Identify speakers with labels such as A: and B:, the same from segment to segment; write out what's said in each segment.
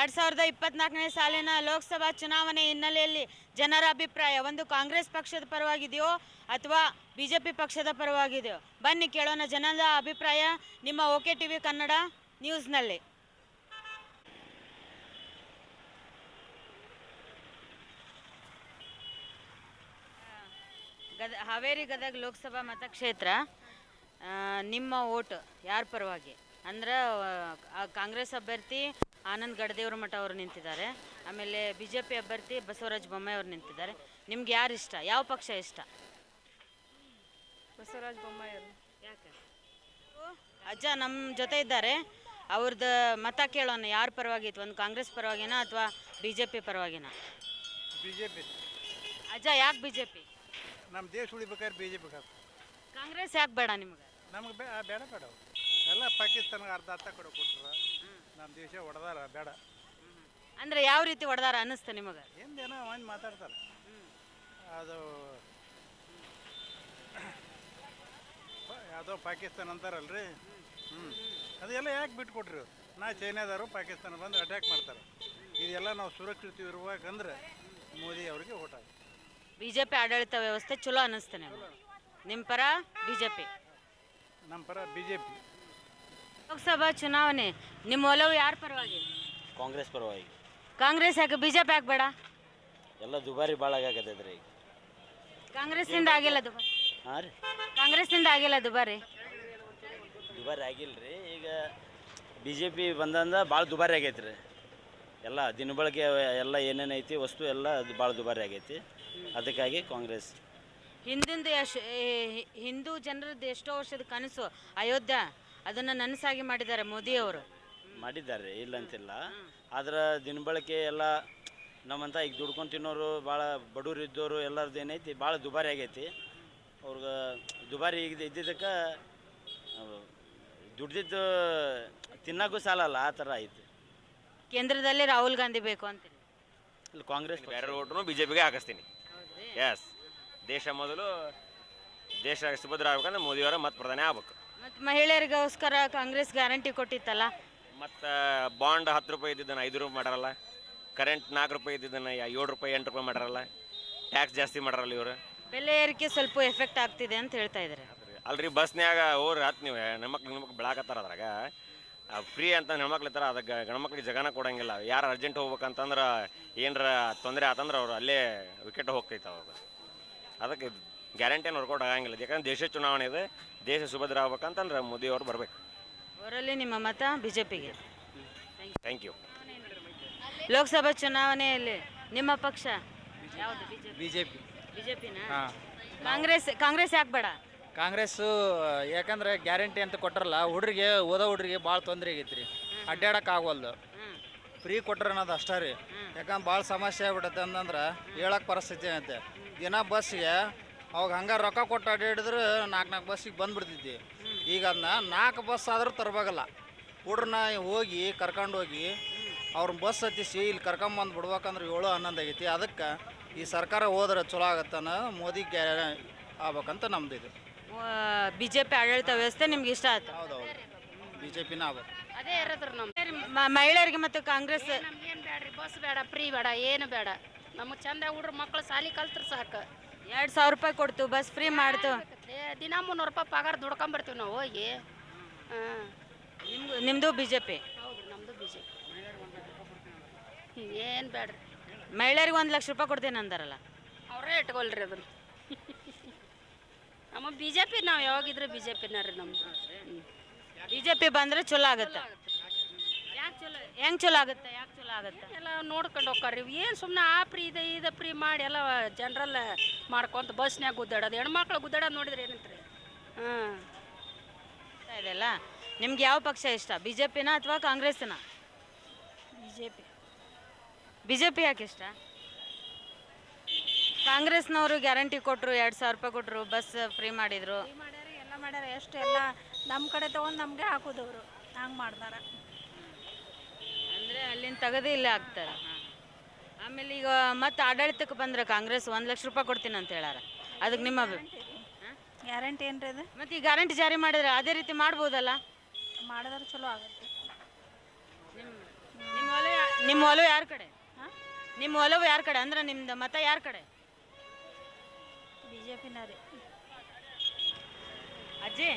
A: 2024ನೇ ಸಾಲಿನ ಲೋಕಸಭಾ ಚುನಾವಣೆ ಹಿನ್ನೆಲೆಯಲ್ಲಿ ಜನರ ಅಭಿಪ್ರಾಯ ಒಂದು ಕಾಂಗ್ರೆಸ್ ಪಕ್ಷದ ಪರವಾಗಿದೆಯೋ ಅಥವಾ ಬಿಜೆಪಿ ಪಕ್ಷದ ಪರವಾಗಿದೆಯೋ? ಬನ್ನಿ ಕೇಳೋಣ ಜನರ ಅಭಿಪ್ರಾಯ ನಿಮ್ಮ ಓಕೆ ಟಿವಿ ಕನ್ನಡ ನ್ಯೂಸ್ನಲ್ಲಿ. ಹಾವೇರಿ ಗದಗ ಲೋಕಸಭಾ ಮತಕ್ಷೇತ್ರ, ನಿಮ್ಮ ಓಟ್ ಯಾರ ಪರವಾಗಿ? ಅಂದ್ರೆ ಕಾಂಗ್ರೆಸ್ ಅಭ್ಯರ್ಥಿ ಆನಂದ್ ಗಡದೇವ್ರ ಮಠ ಅವರು ನಿಂತಿದ್ದಾರೆ, ಆಮೇಲೆ ಬಿ ಜೆ ಪಿ ಅಭ್ಯರ್ಥಿ ಬಸವರಾಜ ಬೊಮ್ಮಾಯಿ ಅವರು ನಿಂತಿದ್ದಾರೆ. ನಿಮ್ಗೆ ಯಾರು ಇಷ್ಟ? ಯಾವ ಪಕ್ಷ ಇಷ್ಟ?
B: ಬಸವರಾಜ ಬೊಮ್ಮಾಯಿ ಅವರು.
A: ಯಾಕೆ? ಅಜ್ಜ ನಮ್ಮ ಜೊತೆ ಇದ್ದಾರೆ, ಅವ್ರದ್ದು ಮತ ಕೇಳೋಣ. ಯಾರ ಪರವಾಗಿತ್ತು? ಒಂದು ಕಾಂಗ್ರೆಸ್ ಪರವಾಗಿನ ಅಥವಾ ಬಿ ಜೆ ಪಿ ಪರವಾಗಿನ?
C: B J P.
A: ಅಜ್ಜ ಯಾಕೆ ಬಿ ಜೆ ಪಿ?
C: ನಮ್ಮ ದೇಶ ಉಳಿಬೇಕಾದ್ರೆ ಬಿ ಜೆ ಪಿ ಬೇಕು.
A: ಕಾಂಗ್ರೆಸ್ ಯಾಕೆ ಬೇಡ ನಿಮ್ಗೆ?
C: ನಮಗೆ ಬೇಡ ಬೇಡ ಎಲ್ಲ ಪಾಕಿಸ್ತಾನಕ್ಕೆ ಅರ್ಧ ಕೊಡೋ ಕೊಟ್ಟರು, ನಮ್ಮ ದೇಶ ಹೊಡೆದಾರ ಬೇಡ.
A: ಅಂದ್ರೆ ಯಾವ ರೀತಿ ಹೊಡೆದಾರ ಅನ್ನಿಸ್ತು ನಿಮಗೆ?
C: ಏನೋ ಒಂದು ಮಾತಾಡ್ತಾರೆ ಅದು ಯಾವುದೋ ಪಾಕಿಸ್ತಾನ ಅಂತಾರಲ್ರಿ. ಅದೆಲ್ಲ ಯಾಕೆ ಬಿಟ್ಕೊಟ್ರಿ? ನಾ ಚೈನಾದವರು ಪಾಕಿಸ್ತಾನ ಬಂದು ಅಟ್ಯಾಕ್ ಮಾಡ್ತಾರೆ. ಇದೆಲ್ಲ ನಾವು ಸುರಕ್ಷಿತ ಇರ್ಬೇಕಂದ್ರೆ ಮೋದಿ ಅವ್ರಿಗೆ ಓಟ್ ಆಗ.
A: ಬಿ ಜೆ ಪಿ ಆಡಳಿತ ವ್ಯವಸ್ಥೆ ಚಲೋ ಅನ್ನಿಸ್ತಾನೆ. ನಿಮ್ಮ ಪರ ಬಿ ಜೆ ಪಿ?
C: ನಮ್ಮ ಪರ ಬಿ ಜೆ ಪಿ.
A: ಲೋಕಸಭಾ ಚುನಾವಣೆ, ನಿಮ್ಮ ಒಲವು ಯಾರ ಪರವಾಗಿ?
D: ಕಾಂಗ್ರೆಸ್ ಪರವಾಗಿ.
A: ಕಾಂಗ್ರೆಸ್ ಯಾಕೆ? ಬಿ ಜೆ ಪಿ ಯಾಕೆ ಬೇಡ?
D: ಎಲ್ಲ ದುಬಾರಿ ಭಾಳ ಆಗತ್ತೈತ್ರಿ ಈಗ.
A: ಕಾಂಗ್ರೆಸ್ನಿಂದ ಆಗಿಲ್ಲ ದುಬಾರಿ?
D: ಹಾಂ ರೀ,
A: ಕಾಂಗ್ರೆಸ್ನಿಂದ ಆಗಿಲ್ಲ ದುಬಾರಿ?
D: ದುಬಾರಿ ಆಗಿಲ್ಲ ರೀ. ಈಗ ಬಿ ಜೆ ಪಿ ಬಂದಂದ ಭಾಳ ದುಬಾರಿ ಆಗೈತೆ ರೀ. ಎಲ್ಲ ದಿನಬಳಕೆ ಎಲ್ಲ ಏನೇನು ಐತಿ ವಸ್ತು ಎಲ್ಲ ಅದು ಭಾಳ ದುಬಾರಿ ಆಗೈತಿ. ಅದಕ್ಕಾಗಿ ಕಾಂಗ್ರೆಸ್. ಹಿಂದೂ ಜನರದ್ದು ಎಷ್ಟೋ ವರ್ಷದ ಕನಸು ಅಯೋಧ್ಯೆ, ಅದನ್ನು ನನಸಾಗಿ ಮಾಡಿದ್ದಾರೆ ಮೋದಿಯವರು. ಮಾಡಿದ್ದಾರೆ, ಇಲ್ಲ ಅಂತಿಲ್ಲ. ಆದ್ರೆ ದಿನಬಳಕೆ ಎಲ್ಲ ನಮ್ಮಂತ ಈಗ ದುಡ್ಕೊಂಡು ತಿನ್ನೋರು, ಭಾಳ ಬಡವ್ರು ಇದ್ದವರು ಎಲ್ಲರದ್ದು ಏನೈತಿ ಭಾಳ ದುಬಾರಿ ಆಗೈತಿ. ಅವ್ರಿಗೆ ದುಬಾರಿ ಈಗ ಇದ್ದಿದ್ದಕ್ಕೆ ದುಡ್ದಿದ್ದು ತಿನ್ನೋಕ್ಕೂ ಸಾಲಲ್ಲ, ಆ ಥರ ಐತಿ.
A: ಕೇಂದ್ರದಲ್ಲಿ ರಾಹುಲ್ ಗಾಂಧಿ ಬೇಕು ಅಂತೀನಿ.
D: ಇಲ್ಲಿ ಕಾಂಗ್ರೆಸ್
E: ಬೇರೆ ಓಟ್ರು ಬಿ ಜೆ ಪಿಗೆ ಹಾಕಿಸ್ತೀನಿ. ಎಸ್, ದೇಶ ಮೊದಲು, ದೇಶ ಸುಭದ್ರ ಆಗ್ಬೇಕಂದ್ರೆ ಮೋದಿಯವರ ಮತ್ತೆ ಪ್ರಧಾನಿ ಆಗ್ಬೇಕು.
A: ಮತ್ತು ಮಹಿಳೆಯರಿಗೋಸ್ಕರ ಕಾಂಗ್ರೆಸ್ ಗ್ಯಾರಂಟಿ ಕೊಟ್ಟಿತ್ತಲ್ಲ.
E: ಮತ್ತು ಬಾಂಡ್ 10 ರೂಪಾಯಿ ಇದ್ದಿದ್ದನ್ನು 5 ರೂಪಾಯಿ ಮಾಡ್ಯಾರಲ್ಲ. ಕರೆಂಟ್ 4 ರೂಪಾಯಿ ಇದ್ದಿದ್ದನ್ನು 7 ರೂಪಾಯಿ 8 ರೂಪಾಯಿ ಮಾಡ್ಯಾರಲ್ಲ. ಟ್ಯಾಕ್ಸ್ ಜಾಸ್ತಿ ಮಾಡ್ಯಾರಲ್ಲ ಇವರು.
A: ಬೆಲೆ ಏರಿಕೆ ಸ್ವಲ್ಪ ಎಫೆಕ್ಟ್ ಆಗ್ತಿದೆ ಅಂತ ಹೇಳ್ತಾ ಇದ್ದಾರೆ.
E: ಅಲ್ರಿ, ಬಸ್ನ್ಯಾಗ ಹೋಗ್ರಿ ಹತ್ತು ನೀವು ಹೆಣ್ಮಕ್ಳು ಬೆಳಕತ್ತಾರ ಅದ್ರಾಗ ಫ್ರೀ ಅಂತ ಹೆಣ್ಮಕ್ಳು ಇರ್ತಾರೆ. ಅದಕ್ಕೆ ಗಂಡ್ಮಕ್ಳಿಗೆ ಜಗನ ಕೊಡೋಂಗಿಲ್ಲ. ಯಾರು ಅರ್ಜೆಂಟ್ ಹೋಗ್ಬೇಕಂತಂದ್ರೆ ಏನರ ತೊಂದರೆ ಆತಂದ್ರೆ ಅವ್ರು ಅಲ್ಲೇ ವಿಕೆಟ್ ಹೋಗ್ತೈತೆ ಅವಾಗ. ಅದಕ್ಕೆ ಗ್ಯಾರಂಟಿಯನ್ನು ವರ್ಕೌಟ್ ಆಗಂಗಿಲ್ಲ. ಯಾಕಂದ್ರೆ ದೇಶ ಚುನಾವಣೆ ಇದೆ, ದೇಶ ಸುಭದ್ರ ಆಗ್ಬೇಕಂತಂದ್ರೆ ಮೋದಿಯವರು ಬರಬೇಕು.
A: ಅವರಲ್ಲಿ ನಿಮ್ಮ ಮತ ಬಿ ಜೆ ಪಿಗೆ.
E: Thank you.
A: ಲೋಕಸಭಾ ಚುನಾವಣೆಯಲ್ಲಿ ನಿಮ್ಮ ಪಕ್ಷ ಯಾವುದು?
F: B J P.
A: B J ಪಿನ? ಕಾಂಗ್ರೆಸ್ ಯಾಕೆ ಬೇಡ?
F: ಕಾಂಗ್ರೆಸ್ಸು ಯಾಕಂದ್ರೆ ಗ್ಯಾರಂಟಿ ಅಂತ ಕೊಟ್ರಲ್ಲ, ಓದೋ ಹುಡ್ರಿಗೆ ಭಾಳ ತೊಂದರೆ ಆಗೈತೆ ರೀ. ಅಡ್ಡಾಡಕ್ಕೆ ಆಗೋಲ್ದು. ಫ್ರೀ ಕೊಟ್ರೆ ಅನ್ನೋದು ಅಷ್ಟೇ ರೀ. ಯಾಕಂದ್ರೆ ಭಾಳ ಸಮಸ್ಯೆ ಆಗ್ಬಿಟ್ಟೈತೆ ಅಂತಂದ್ರೆ ಹೇಳಕ್ಕೆ ಪರಿಸ್ಥಿತಿ ಐತೆ. ದಿನ ಬಸ್ಸಿಗೆ ಅವಾಗ ಹಂಗೆ ರೊಕ್ಕ ಕೊಟ್ಟು ಅಡ್ಡಾಡಿದ್ರೆ 4 ಬಸ್ಸಿಗೆ ಬಂದುಬಿಡ್ತೈತಿ. ಈಗ ಅದನ್ನ 4 ಬಸ್ ಆದರೂ ತರಬೇಕಲ್ಲ. ಹುಡ್ರನ್ನ ಹೋಗಿ ಕರ್ಕೊಂಡು ಹೋಗಿ ಅವ್ರನ್ನ ಬಸ್ ಹತ್ತಿಸಿ ಇಲ್ಲಿ ಕರ್ಕೊಂಬಂದು ಬಿಡ್ಬೇಕಂದ್ರೆ 7-11 ಆಗೈತಿ. ಅದಕ್ಕೆ ಈ ಸರ್ಕಾರ ಹೋದ್ರೆ ಚಲೋ ಆಗತ್ತನ ಮೋದಿ ಆಗ್ಬೇಕಂತ ನಮ್ದು ಇದು.
A: ಬಿ ಜೆ ಪಿ ಆಡಳಿತ ವ್ಯವಸ್ಥೆ ನಿಮ್ಗೆ ಇಷ್ಟ ಆಯ್ತು?
F: ಹೌದೌದು, ಬಿ ಜೆ ಪಿನ ಆಗ್ಬೇಕು.
B: ಅದೇ ಇರೋದ್ರ
A: ಮಹಿಳೆಯರಿಗೆ ಮತ್ತು ಕಾಂಗ್ರೆಸ್
B: ನಮ್ಗೇನು ಬೇಡ್ರಿ, ಬಸ್ ಬೇಡ, ಫ್ರೀ ಬೇಡ, ಏನು ಬೇಡ. ನಮಗೆ ಚಂದ ಹುಡ್ರು ಮಕ್ಕಳು ಸಾಲಿ ಕಲ್ತ್ರು ಸಾಕು.
A: 2,000 ರೂಪಾಯಿ ಕೊಡ್ತು, ಬಸ್ ಫ್ರೀ ಮಾಡ್ತು.
B: ದಿನ 300 ರೂಪಾಯಿ ಪಗಾರ ದುಡ್ಕೊಂಬರ್ತೀವಿ ನಾವು ಹೋಗಿ. ಹಾಂ,
A: ನಿಮ್ಮದು ಬಿ ಜೆ ಪಿ?
B: ಹೌದು, ನಮ್ಮದು ಬಿ ಜೆ ಪಿ. ಏನು ಬೇಡ್ರಿ.
A: ಮಹಿಳೆಯರಿಗೆ 1 ಲಕ್ಷ ರೂಪಾಯಿ ಕೊಡ್ತೀನಿ ಅಂದಾರಲ್ಲ,
B: ಅವರೇ ಇಟ್ಕೊಳ್ರಿ ಅದನ್ನು. ನಮ್ಮ ಬಿ ಜೆ ಪಿ, ನಾವು ಯಾವಾಗಿದ್ರೆ ಬಿ ಜೆ ಪಿನ ರೀ ನಮ್ಮದು.
A: ಬಿ ಜೆ ಪಿ ಬಂದರೆ ಚಲೋ ಆಗುತ್ತೆ. ಯಾಕೆ ಚಲೋ? ಹೆಂಗೆ ಚಲೋ ಆಗುತ್ತೆ? ಯಾಕೆ ಚಲೋ ಆಗುತ್ತೆ?
B: ಎಲ್ಲ ನೋಡ್ಕೊಂಡು ಹೋಗ್ರಿ. ಏನು ಸುಮ್ಮನೆ ಆ ಫ್ರೀ ಇದೆ ಇದು ಫ್ರೀ ಮಾಡಿ ಎಲ್ಲ ಜನರಲ್ ಮಾಡ್ಕೊಂತ ಬಸ್ನ್ಯಾಗ ಗುದ್ದಾಡೋದು, ಹೆಣ್ಮಕ್ಳು ಗುದ್ದಾಡೋದು ನೋಡಿದ್ರೆ ಏನಂತ್ರಿ? ಹಾಂ,
A: ಇದೆಲ್ಲ ನಿಮ್ಗೆ ಯಾವ ಪಕ್ಷ ಇಷ್ಟ? ಬಿ ಜೆ ಪಿನ ಅಥವಾ ಕಾಂಗ್ರೆಸ್ನ?
B: B J P.
A: B J P ಯಾಕೆ ಇಷ್ಟ? ಕಾಂಗ್ರೆಸ್ನವರು ಗ್ಯಾರಂಟಿ ಕೊಟ್ಟರು, 2,000 ರೂಪಾಯಿ ಕೊಟ್ಟರು, ಬಸ್ ಫ್ರೀ ಮಾಡಿದರು.
B: ಮಾಡ್ಯಾರ, ಎಲ್ಲ ಮಾಡ್ಯಾರ. ಎಷ್ಟು ಎಲ್ಲ ನಮ್ಮ ಕಡೆ ತೊಗೊಂಡು ನಮಗೆ ಹಾಕೋದವರು ಹಂಗೆ ಮಾಡ್ತಾರೆ.
A: ಅಂದರೆ ಅಲ್ಲಿಂದ ತೆಗೆದು ಇಲ್ಲೇ ಹಾಕ್ತಾರೆ. ಆಮೇಲೆ ಈಗ ಮತ್ತೆ ಆಡಳಿತಕ್ಕೆ ಬಂದ್ರೆ ಕಾಂಗ್ರೆಸ್ 1 ಲಕ್ಷ ರೂಪಾಯಿ ಕೊಡ್ತೀನಿ ಅಂತ ಹೇಳಾರ. ಅದಕ್ಕೆ ನಿಮ್ಮ
B: ಗ್ಯಾರಂಟಿ ಏನು ರೀ ಅದು?
A: ಮತ್ತು ಈ ಗ್ಯಾರಂಟಿ ಜಾರಿ ಮಾಡಿದ್ರೆ ಅದೇ ರೀತಿ ಮಾಡ್ಬೋದಲ್ಲ?
B: ಮಾಡಿದ್ರೆ ಚಲೋ ಆಗುತ್ತೆ.
A: ನಿಮ್ಮ ನಿಮ್ಮ ಒಲವು ಯಾರ ಕಡೆ? ನಿಮ್ಮ ಒಲವು ಯಾರ ಕಡೆ ಅಂದ್ರೆ ನಿಮ್ದು ಮತ ಯಾರ ಕಡೆ?
B: ಬಿ ಜೆ ಪಿನ ರೀ.
A: ಅಜ್ಜಿ,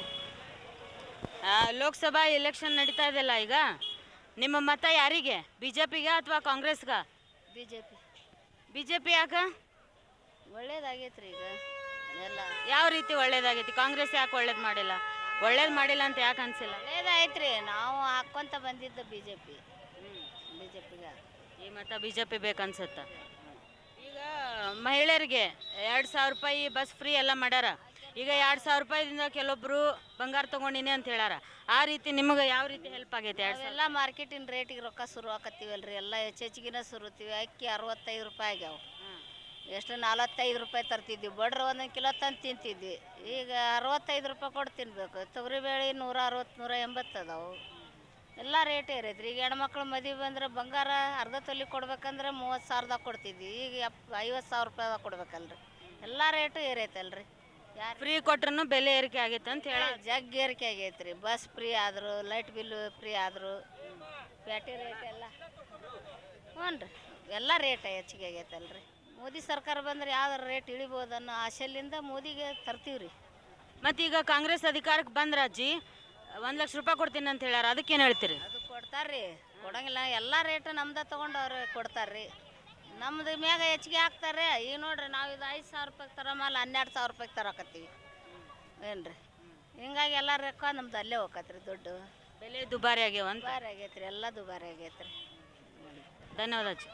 A: ಲೋಕಸಭಾ ಎಲೆಕ್ಷನ್ ನಡೀತಾ ಇದೆಯಲ್ಲ ಈಗ, ನಿಮ್ಮ ಮತ ಯಾರಿಗೆ? ಬಿ ಜೆ ಪಿಗೆ ಅಥವಾ ಕಾಂಗ್ರೆಸ್ಗ?
B: B J P.
A: B J P ಯಾಕೆ?
B: ಒಳ್ಳೇದಾಗೈತ್ರಿ ಈಗ ಎಲ್ಲ.
A: ಯಾವ ರೀತಿ ಒಳ್ಳೇದಾಗೈತಿ? ಕಾಂಗ್ರೆಸ್ ಯಾಕೆ ಒಳ್ಳೇದು ಮಾಡಿಲ್ಲ? ಒಳ್ಳೇದು ಮಾಡಿಲ್ಲ ಅಂತ ಯಾಕೆ ಅನ್ಸಿಲ್ಲ?
B: ಒಳ್ಳೇದಾಯ್ತ್ರಿ, ನಾವು ಹಾಕ್ಕೊಂತ ಬಂದಿದ್ದು B J P. B J ಪಿಗೆ
A: ಈ ಮತ ಬಿ ಜೆ ಪಿ ಬೇಕನ್ಸುತ್ತ. ಈಗ ಮಹಿಳೆಯರಿಗೆ 2,000 ರೂಪಾಯಿ ಬಸ್ ಫ್ರೀ ಎಲ್ಲ ಮಾಡ್ಯಾರ. ಈಗ 2,000 ರೂಪಾಯಿದಿಂದ ಕೆಲವೊಬ್ರು ಬಂಗಾರ ತೊಗೊಂಡಿನಿ ಅಂತ ಹೇಳ್ಯಾರ. ಆ ರೀತಿ ನಿಮಗೆ ಯಾವ ರೀತಿ ಹೆಲ್ಪ್ ಆಗೈತೆ?
B: ಎಲ್ಲ ಮಾರ್ಕೆಟಿನ ರೇಟಿಗೆ ರೊಕ್ಕ ಶುರು ಆಕತ್ತೀವಲ್ರಿ, ಎಲ್ಲ ಹೆಚ್ಚಿಗೆನ ಸುರುತ್ತೀವಿ. ಅಕ್ಕಿ 65 ರೂಪಾಯಿ ಆಗ್ಯಾವ. ಎಷ್ಟು 45 ರೂಪಾಯಿ ತರ್ತಿದ್ವಿ, ಬಡ್ರು 1 ಕಿಲೋ ತಂದು ತಿಂತಿದ್ವಿ. ಈಗ 65 ರೂಪಾಯಿ ಕೊಟ್ಟು ತಿನ್ಬೇಕು. ತೊಗರಿಬೇಳೆ 160, 180 ಅದಾವು. ಎಲ್ಲ ರೇಟ್ ಏರೈತ್ರಿ. ಈಗ ಹೆಣ್ಮಕ್ಳು ಮದುವೆ ಬಂದ್ರೆ ಬಂಗಾರ ಅರ್ಧ ತೊಲಿ ಕೊಡ್ಬೇಕಂದ್ರೆ 30,000ದಾಗ ಕೊಡ್ತಿದ್ವಿ. ಈಗ 50,000 ರೂಪಾಯಿದಾಗ ಕೊಡ್ಬೇಕಲ್ರಿ. ಎಲ್ಲ ರೇಟು ಏರೈತಲ್ರಿ. ಯಾರು
A: ಫ್ರೀ ಕೊಟ್ರು ಬೆಲೆ ಏರಿಕೆ ಆಗೈತೆ ಅಂತ ಹೇಳ.
B: ಜಗ್ ಏರಿಕೆ ಆಗೈತ್ರಿ. ಬಸ್ ಫ್ರೀ ಆದರು, ಲೈಟ್ ಬಿಲ್ಲು ಫ್ರೀ ಆದರು, ಬ್ಯಾಟಿ ರೇಟ್ ಎಲ್ಲ ಹ್ಞೂ ರೀ, ಎಲ್ಲ ರೇಟ್ ಹೆಚ್ಚಿಗೆ ಆಗೈತಲ್ರಿ. ಮೋದಿ ಸರ್ಕಾರ ಬಂದ್ರೆ ಯಾವ್ದಾರು ರೇಟ್ ಇಳಿಬೋದು ಅನ್ನೋ ಆಶೆಲಿಂದ ಮೋದಿಗೆ ತರ್ತೀವಿ ರೀ.
A: ಮತ್ತು ಈಗ ಕಾಂಗ್ರೆಸ್ ಅಧಿಕಾರಕ್ಕೆ ಬಂದ್ರ ಅಜ್ಜಿ 1 ಲಕ್ಷ ರೂಪಾಯಿ ಕೊಡ್ತೀನಿ ಅಂತ ಹೇಳ್ಯಾರ, ಅದಕ್ಕೇನು ಹೇಳ್ತೀರಿ?
B: ಅದು ಕೊಡ್ತಾರ್ರಿ, ಕೊಡಂಗಿಲ್ಲ. ಎಲ್ಲ ರೇಟು ನಮ್ದು ತೊಗೊಂಡು ಅವ್ರು ಕೊಡ್ತಾರ್ರಿ. ನಮ್ದು ಮ್ಯಾಗ ಹೆಚ್ಚಿಗೆ ಹಾಕ್ತಾರೆ. ಈಗ ನೋಡ್ರಿ, ನಾವು ಇದು 5,000 ರೂಪಾಯಿಗೆ ತರೋ ಮಾಲ್ 12,000 ರೂಪಾಯಿಗೆ ತರಕತ್ತೀವಿ ಏನು ರೀ. ಹಿಂಗಾಗಿ ಎಲ್ಲ ರೊಕ್ಕ ನಮ್ದು ಅಲ್ಲೇ ಹೋಗತ್ರಿ. ದುಡ್ಡು
A: ಬೆಲೆ ದುಬಾರಿ ಆಗ್ಯಾವ ಅಂತ.
B: ದುಬಾರಿ ಆಗೈತ್ರಿ, ಎಲ್ಲ ದುಬಾರಿ ಆಗೈತ್ರಿ.
A: ಧನ್ಯವಾದ ಅಜ್ಜಿ.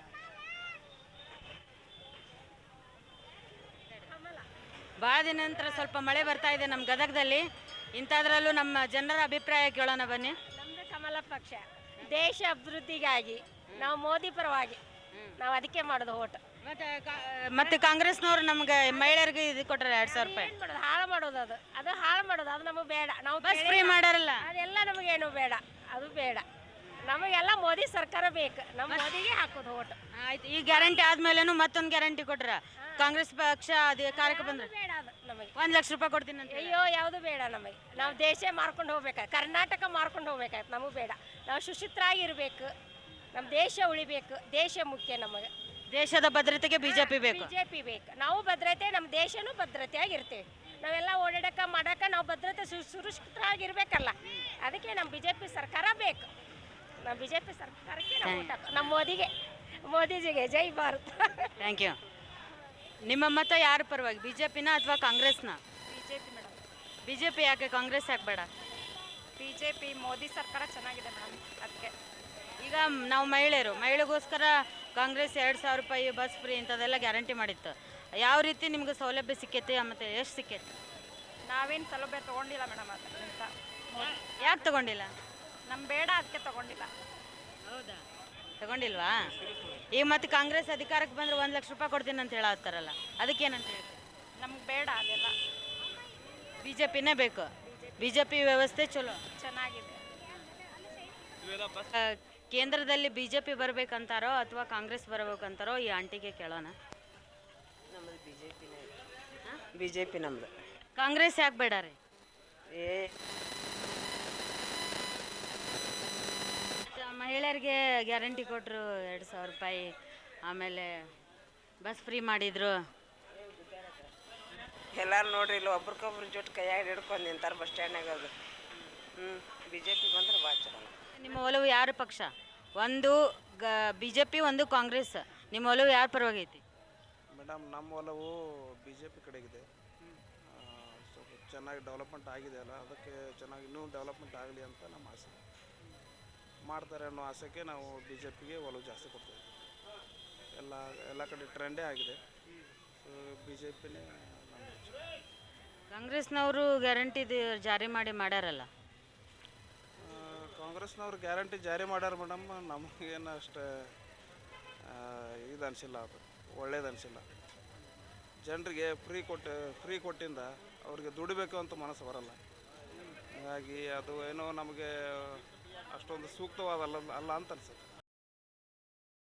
A: ಭಾಳ ದಿನ ನಂತರ ಸ್ವಲ್ಪ ಮಳೆ ಬರ್ತಾ ಇದೆ ನಮ್ಮ ಗದಗದಲ್ಲಿ. ಇಂಥದ್ರಲ್ಲೂ ನಮ್ಮ ಜನರ ಅಭಿಪ್ರಾಯ ಕೇಳೋಣ ಬನ್ನಿ.
G: ನಮ್ದು ಕಮಲ ಪಕ್ಷ, ದೇಶ ಅಭಿವೃದ್ಧಿಗಾಗಿ ನಾವು ಮೋದಿ ಪರವಾಗಿ ನಾವು ಅದಕ್ಕೆ ಮಾಡೋದು ಓಟ್.
A: ಮತ್ತೆ ಕಾಂಗ್ರೆಸ್ನವ್ರು ನಮ್ಗೆ ಮಹಿಳೆಯರಿಗೆ ಇದು ಕೊಟ್ಟರೆ 2,000 ರೂಪಾಯಿ
G: ಏನು ಮಾಡೋದು? ಹಾಳು ಮಾಡೋದು. ಅದು ಹಾಳು ಮಾಡೋದು, ಅದು ನಮಗೆ ಬೇಡ. ನಾವು
A: ಬಸ್ ಫ್ರೀ ಮಾಡಾರಲ್ಲ,
G: ಅದೆಲ್ಲ ನಮಗೇನು ಬೇಡ, ಅದು ಬೇಡ. ನಮಗೆಲ್ಲ ಮೋದಿ ಸರ್ಕಾರ ಬೇಕು. ನಮ್ಮ ಮೋದಿಗೆ ಹಾಕೋದು ಓಟ್.
A: ಆಯ್ತು. ಈ ಗ್ಯಾರಂಟಿ ಆದ್ಮೇಲೆನು ಮತ್ತೊಂದು ಗ್ಯಾರಂಟಿ ಕೊಟ್ರ ಕಾಂಗ್ರೆಸ್ ಪಕ್ಷ ಅಧಿಕಾರಕ್ಕೆ ಬಂದ್ರೆ
G: ಬೇಡ ಅದು ನಮಗೆ.
A: 1 ಲಕ್ಷ ರೂಪಾಯಿ ಕೊಡ್ತೀನಿ ಅಂತ.
G: ಅಯ್ಯೋ, ಯಾವುದು ಬೇಡ ನಮಗೆ. ನಾವು ದೇಶ ಮಾರ್ಕೊಂಡು ಹೋಗ್ಬೇಕಾಯ್ತು, ಕರ್ನಾಟಕ ಮಾರ್ಕೊಂಡು ಹೋಗ್ಬೇಕಾಯ್ತು. ನಮಗೆ ಬೇಡ. ನಾವು ಸುಶಿಕ್ಷಿತರಾಗಿರ್ಬೇಕು. ನಮ್ಮ ದೇಶ ಉಳಿಬೇಕು. ದೇಶ ಮುಖ್ಯ ನಮಗೆ.
A: ದೇಶದ ಭದ್ರತೆಗೆ ಬಿಜೆಪಿ ಬೇಕು.
G: ಬಿಜೆಪಿ ಬೇಕು. ನಾವು ಭದ್ರತೆ, ನಮ್ಮ ದೇಶನೂ ಭದ್ರತೆಯಾಗಿರ್ತೇವೆ. ನಾವೆಲ್ಲ ಓಡಾಡಕ ಮಾಡಕ ನಾವು ಭದ್ರತೆ ಸುರಕ್ಷಿತರಾಗಿರ್ಬೇಕಲ್ಲ. ಅದಕ್ಕೆ ನಮ್ಮ ಬಿಜೆಪಿ ಸರ್ಕಾರ ಬೇಕು. ನಮ್ಮ ಬಿಜೆಪಿ ಸರ್ಕಾರಕ್ಕೆ ನಾವು vote ಹಾಕೋದು. ನಮ್ಮ ಮೋದಿಜಿಗೆ ಜೈ ಭಾರತ್.
A: Thank you. ನಿಮ್ಮ ಮತ ಯಾರ ಪರವಾಗಿ? ಬಿಜೆಪಿನ ಅಥವಾ ಕಾಂಗ್ರೆಸ್ನ?
G: BJP madam.
A: ಬಿಜೆಪಿ ಯಾಕೆ, ಕಾಂಗ್ರೆಸ್ ಯಾಕೆ ಬೇಡ?
G: ಬಿಜೆಪಿ ಮೋದಿ ಸರ್ಕಾರ ಚೆನ್ನಾಗಿದೆ ಮೇಡಮ್, ಅದಕ್ಕೆ.
A: ಈಗ ನಾವು ಮಹಿಳೆಗೋಸ್ಕರ ಕಾಂಗ್ರೆಸ್ 2,000 ರೂಪಾಯಿ ಬಸ್ ಫ್ರೀ ಇಂಥದ್ದೆಲ್ಲ ಗ್ಯಾರಂಟಿ ಮಾಡಿತ್ತು. ಯಾವ ರೀತಿ ನಿಮ್ಗೆ ಸೌಲಭ್ಯ ಸಿಕ್ಕೈತಿ ಮತ್ತು ಎಷ್ಟು ಸಿಕ್ಕೈತಿ?
G: ನಾವೇನು ಸೌಲಭ್ಯ ತೊಗೊಂಡಿಲ್ಲ ಮೇಡಮ್. ಅದರಿಂದ
A: ಯಾಕೆ ತಗೊಂಡಿಲ್ಲ?
G: ನಮ್ಗೆ ಬೇಡ, ಅದಕ್ಕೆ ತೊಗೊಂಡಿಲ್ಲ.
A: ಹೌದಾ, ತಗೊಂಡಿಲ್ವಾ? ಈಗ ಮತ್ತೆ ಕಾಂಗ್ರೆಸ್ ಅಧಿಕಾರಕ್ಕೆ ಬಂದ್ರೆ 1 ಲಕ್ಷ ರೂಪಾಯಿ ಕೊಡ್ತೀನಿ ಅಂತ ಹೇಳತ್ತಾರಲ್ಲ, ಅದಕ್ಕೇನಂತ ಹೇಳ್ತೀವಿ?
G: ನಮ್ಗೆ ಬೇಡ ಅದೆಲ್ಲ.
A: ಬಿಜೆಪಿನೇ ಬೇಕು. ಬಿಜೆಪಿ ವ್ಯವಸ್ಥೆ ಚಲೋ
G: ಚೆನ್ನಾಗಿದೆ.
A: ಕೇಂದ್ರದಲ್ಲಿ ಬಿಜೆಪಿ ಬರ್ಬೇಕಂತಾರೋ ಅಥವಾ ಕಾಂಗ್ರೆಸ್ ಬರ್ಬೇಕಂತಾರೋ ಈ ಆಂಟಿಗೆ ಕೇಳೋಣ.
H: ನಮ್ಮದು ಬಿ ಜೆ ಪಿ ನಮ್ಮದು.
A: ಕಾಂಗ್ರೆಸ್ ಯಾಕೆ ಬೇಡ ರೀ? ಮಹಿಳೆಯರಿಗೆ ಗ್ಯಾರಂಟಿ ಕೊಟ್ಟರು 2,000 ರೂಪಾಯಿ, ಆಮೇಲೆ ಬಸ್ ಫ್ರೀ ಮಾಡಿದ್ರು.
H: ಎಲ್ಲರೂ ನೋಡ್ರಿ, ಇಲ್ಲಿ ಒಬ್ರಿಗೊಬ್ರು ಜೊತೆ ಕೈಯಾಗ ಹಿಡ್ಕೊಂಡು ನಿಂತಾರೆ ಬಸ್ ಸ್ಟ್ಯಾಂಡ್ನಾಗ. ಅದು ಬಿ ಜೆ ಪಿ ಬಂದ್ರೆ ಭಾಳ ಚಲೋ.
A: ನಿಮ್ಮ ಒಲವು ಯಾರ ಪಕ್ಷ? ಒಂದು ಬಿಜೆಪಿ, ಒಂದು ಕಾಂಗ್ರೆಸ್. ನಿಮ್ಮ ಒಲವು ಯಾರ ಪರವಾಗೈತಿ?
I: ಮೇಡಮ್, ನಮ್ಮ ಒಲವು ಬಿ ಜೆ ಪಿ ಕಡೆಗಿದೆ. ಸ್ವಲ್ಪ ಚೆನ್ನಾಗಿ ಡೆವಲಪ್ಮೆಂಟ್ ಆಗಿದೆ ಅಲ್ಲ, ಅದಕ್ಕೆ ಚೆನ್ನಾಗಿ ಇನ್ನೂ ಡೆವಲಪ್ಮೆಂಟ್ ಆಗಲಿ ಅಂತ ನಮ್ಮ ಆಸೆ. ಮಾಡ್ತಾರೆ ಅನ್ನೋ ಆಸೆಗೆ ನಾವು ಬಿ ಜೆ ಪಿಗೆ ಒಲವು ಜಾಸ್ತಿ ಕೊಡ್ತೇವೆ. ಎಲ್ಲ ಕಡೆ ಟ್ರೆಂಡೇ ಆಗಿದೆ. ಸೊ ಬಿ ಜೆ ಪಿನೇ ನಮ್ಮ
A: ಕಾಂಗ್ರೆಸ್ನವರು ಗ್ಯಾರಂಟಿ ಜಾರಿ ಮಾಡ್ಯಾರಲ್ಲ.
I: ಕಾಂಗ್ರೆಸ್ನವ್ರು ಗ್ಯಾರಂಟಿ ಜಾರಿ ಮಾಡ್ಯಾರ ಮೇಡಮ್. ನಮಗೇನು ಅಷ್ಟು ಇದು ಅನಿಸಿಲ್ಲ, ಅದು ಒಳ್ಳೇದು ಅನಿಸಿಲ್ಲ. ಜನರಿಗೆ ಫ್ರೀ ಕೊಟ್ಟಿಂದ ಅವ್ರಿಗೆ ದುಡಿಬೇಕು ಅಂತ ಮನಸ್ಸು ಬರಲ್ಲ. ಹಾಗಾಗಿ ಅದು ಏನೋ ನಮಗೆ ಅಷ್ಟೊಂದು ಸೂಕ್ತವಾದಲ್ಲ ಅಂತ ಅನ್ಸುತ್ತೆ.